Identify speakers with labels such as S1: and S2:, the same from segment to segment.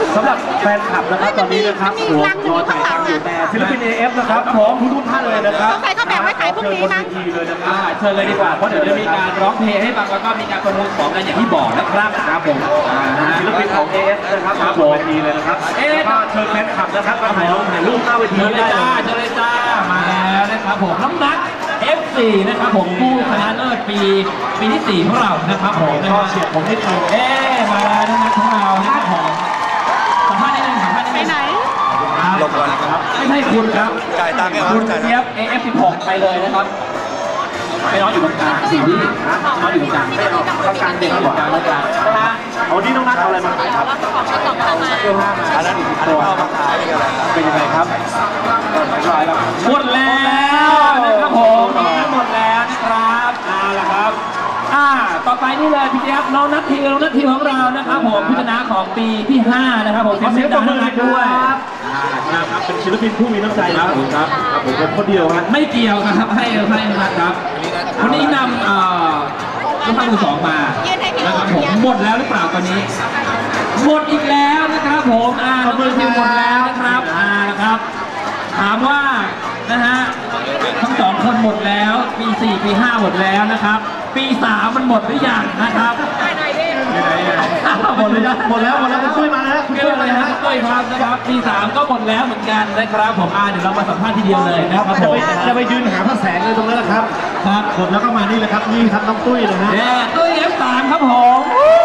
S1: สำหรับแฟนคลับนะครับตอนนี้นะครับรอถ่ายทำอยู่แต่ศิลปิน AF นะครับพร้อมทุกท่านเลยนะครับ
S2: ใครเขาแบ่งไว้ขายพรุ่งนี้มั้ง
S1: เลยนะครับเชิญเลยดีกว่าเพราะเดี๋ยวจะมีการร้องเพลงให้ฟังแล้วก็มีการประมูลของกันอย่างที่บอกนะครับครับผมศิลปินของ AF นะครับบนเวทีเลยนะครับแล้วก็เชิญแฟนคลับนะครับมาถ่ายรูปหน้าเวทีได้เลย
S3: เชิญเลยจ้ามาแล้วนะครับผมน้ำนัก F4 นะครับผมผู้ชนะเลิศปีที่4ของเรานะครับผม
S1: ก็เฉียดผมนิดนึง
S3: มาแล้วนะครับของเรานะครับผมสัมภาษณ์นิดนึงไปไหน
S4: ลงก่อนนะครับ
S3: ไม่ใช่คุณครับ
S4: จ่ายตังค์
S3: คุณเจี๊ยบ AF16 ไปเลยนะครับไปน้องอยู่ตรงกลางสี่ที่น้องอยู่ตรงกลางไม่เอาตรงกลางเด็กอยู่ตรงกลางแล้วกัน
S1: เอาที่น้องนัทเอาอะไรมาขายครับ
S3: เสื้อผ้ามา
S4: อันนั้นตัวมาขายกัน
S1: เป็นยังไงครับ
S3: หมดแล้วนะครับผมหมดแล้วนะครับละครับต่อไปนี่เลยพี่เจี๊ยบน้องนัททีของเรานะครับผมผู้ชนะของปีที่5นะครับผม
S1: เสียงปรบมือด้วยนะครับเป็นศิลปินผู้มีน้ำใจครับผมเป็นคนเดียวครับ
S3: ไม่เกี่ยวครับให้นะครับวันนี้นำลูกค้ามือ2มานะครับผมหมดแล้วหรือเปล่าตอนนี้หมดอีกแล้วนะครับผมมือที่หมดแล้วนะครับนะครับถามว่านะฮะทั้ง2คนหมดแล้วปี4ปี5หมดแล้วนะครับปี3มันหมดหรือยังนะครับ
S1: หมดแล้วคุณตุ้ยมาแล้ว
S3: คุณตุ้ยมาแล้วคุณตุ้ยครับนะครับปี3ก็หมดแล้วเหมือนกันนะครับผมเดี๋ยวเรามาสัมภาษณ์ทีเดียวเลยนะครับผม
S1: จะไปยืนหาพระแสงเลยตรงนั้นนะครับ
S3: ครับ
S1: หมดแล้วก็มานี่เลยครับนี่ครับน้องตุ้ยนะฮะ
S3: ตุ้ย F3 ครับผม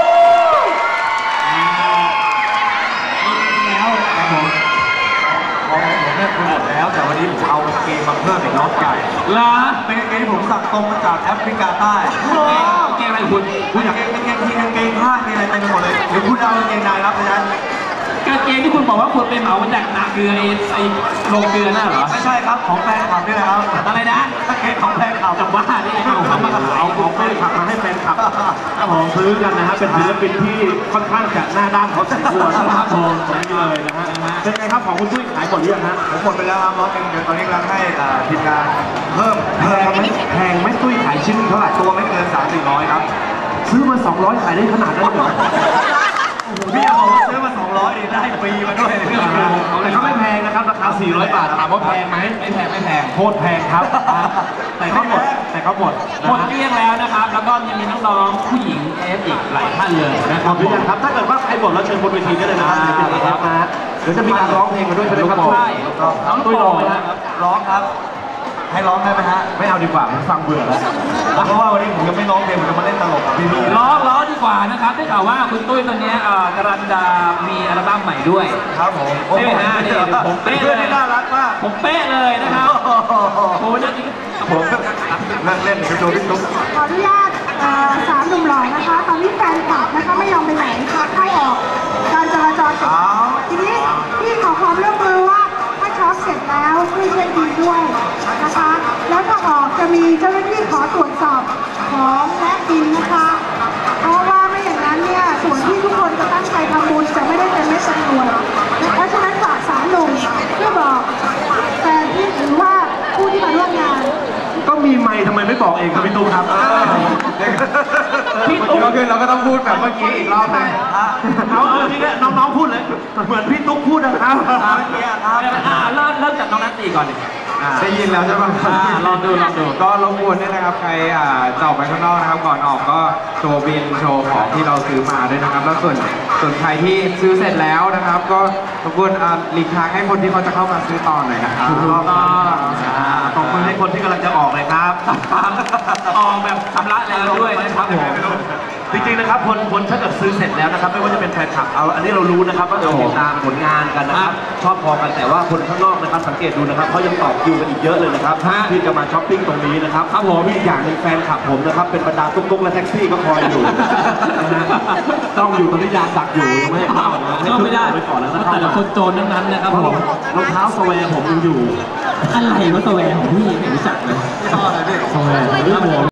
S4: แล้วครับผมเนี่ยคุณหมดแล้วแต่วันนี้ผมเอาเกมมาเพิ่มอีกน้องไก่เป็นเกมที่ผมสั่งตรงมาจากแอฟริกาใต้
S3: เกมอะไรคุณ
S4: อยากเกมผ้ามีอะไรเต็มไปหมดเลยเดี๋ยวคุณเอาเกมนายรับเพราะฉะนั้น
S3: กางเกงที่คุณบอกว่าคุณไปเหมามาจากนาเกลือไอ้โรงเกลือน่ะเหรอ
S4: ไม่ใช่ครับของแฟนคลับนี่แหละครับ
S3: อะไรนะ
S4: กางเกงของแฟนคลับ
S3: จากบ้านนี่ไง
S1: ผมทำมาเอาของแฟนคลับมาให้แฟนคลับของซื้อกันนะฮะเป็นศิลปินที่ค่อนข้างจะหน้าด้านเขาสมควรนะครับผมนี่เลยนะฮะเป็นไงครับของคุณตุ้ยขายหมดหรือยังฮะ
S4: ผมหมดไปแล้วครับร้อยเดี๋ยวตอนนี้กำลังให้ทีมงานเพิ่ม
S1: แพงไหมตุ้ยขายชิ้นเท่าไหร่
S4: ตัวไม่เกิน300-400ครับ
S1: ซื้อมา200ขายได้ขนาดนั้นเหรอ
S4: พี่เอาบอกว่าซื้อมา200นี่ได้ฟรีมาด้วย
S1: แต่เขาไม่แพงนะครับราคา400 บาทถามว่าแพงไหม
S3: ไม่แพง
S1: โคตรแพงครับแต่เขาหมดหมด
S3: เกลี้ยงแล้วนะครับแล้วก็ยังมีน้องๆผู้หญิงอีกหลายท่านเลย
S1: นะครับหรือยังครับถ้าเกิดว่าใครหมดแล้วเชิญบนเวทีได้เลยนะครับเดี๋ยวจะมีการร้องเพลงกันด้วยใช่ไหมครับ
S3: ใช่
S1: น้องตุ้ยร้องไหมครับ
S4: ร้องครับให้ร้องได้ไหมฮะ
S1: ไม่เอาดีกว่าผมฟังเบื่อแล้ว
S4: เพราะว่าวันนี้ผมยังไม่ร้องเพลงผมจะมาเล่นตลกกับพี่
S3: ร้องดีกว่านะครับได้ข่าวว่าคุณตุ้ยตอนนี้กำลังจะมีอัลบั้มใหม่ด้วย
S4: ครับผม
S3: โอ้โหนี่ผมเป๊ะเลย
S4: น่ารักมาก
S3: ผมเป๊ะเลยนะครับโอ้นั่นจริง
S4: ผมนั่งเล่นโชว์พี่ตุ๊ก
S2: ขออนุญาต3 หนุ่มหล่อนะคะตอนนี้แฟนคลับนะคะไม่ยอมไปไหนค่ะเข้าออกการจราจรทีนี้พี่ขอความร่วมมือว่าถ้าช็อปเสร็จแล้วช่วยเช็คบิลด้วยนะคะแล้วถ้าออกจะมีเจ้าหน้าที่ขอตรวจสอบของและบินนะคะเพราะว่าไม่อย่างนั้นเนี่ยส่วนที่ทุกคนจะตั้งใจทำบุญจะไม่ได้เป็นเม็ดจำนวนเพราะฉะนั้นฝาก3 หนุ่มเพื่อบอกแฟนที่หรือว่าผู้ที่มาร่วมงาน
S1: ก็มีไมค์ทำไมไม่บอกเองครับพี่ตุ๊กครับ
S4: พี่ตุ๊กเราก็ต้องพูดแบบเมื่อกี้อีกรอบนึง
S1: เอาทีนี้น้องๆพูดเลยเหมือนพี่ตุ๊กพูดนะครับ
S3: เริ่มจากน้องนัทตีก่อน
S4: ได้ยินแล้วใช่ไหม
S3: ลองดู
S4: ก็รบกวนด้วยนะครับใครจะออกไปข้างนอกนะครับก่อนออกก็โชว์บินโชว์ของที่เราซื้อมาด้วยนะครับแล้วส่วนใครที่ซื้อเสร็จแล้วนะครับก็รบกวนหลีกทางให้คนที่เขาจะเข้ามาซื้อต่อหน่อยนะครับ
S1: ขอบคุณให้คนที่กำลังจะออกเลยครับ
S3: ออกแบบชำระแล้วด้วยนะครับผม
S1: จริงๆนะครับคนถ้าเกิดซื้อเสร็จแล้วนะครับไม่ว่าจะเป็นแฟนคลับอันนี้เรารู้นะครับว่าเราติดตามผลงานกันนะครับชอบพอกันแต่ว่าคนข้างนอกนะครับสังเกตดูนะครับเขายังต่อคิวกันอีกเยอะเลยนะครับที่จะมาช้อปปิ้งตรงนี้นะครับครับผมอีกอย่างหนึ่งแฟนคลับผมนะครับเป็นบรรดาตุ๊กๆและแท็กซี่ก็คอยอยู่ต้องอยู่ตรงนี้ยาดักอยู่ไม่เข้า
S3: ไม่ได้ไปก่อนแล้วนะแต่ละคนโจรนั้นนะครับผม
S1: รองเท้าสแวร์ผมยังอยู่
S3: อะไรวะสแวร์ของพี่ไม่รู้จักเลย
S4: ชอบเลยพี่
S3: สแวร์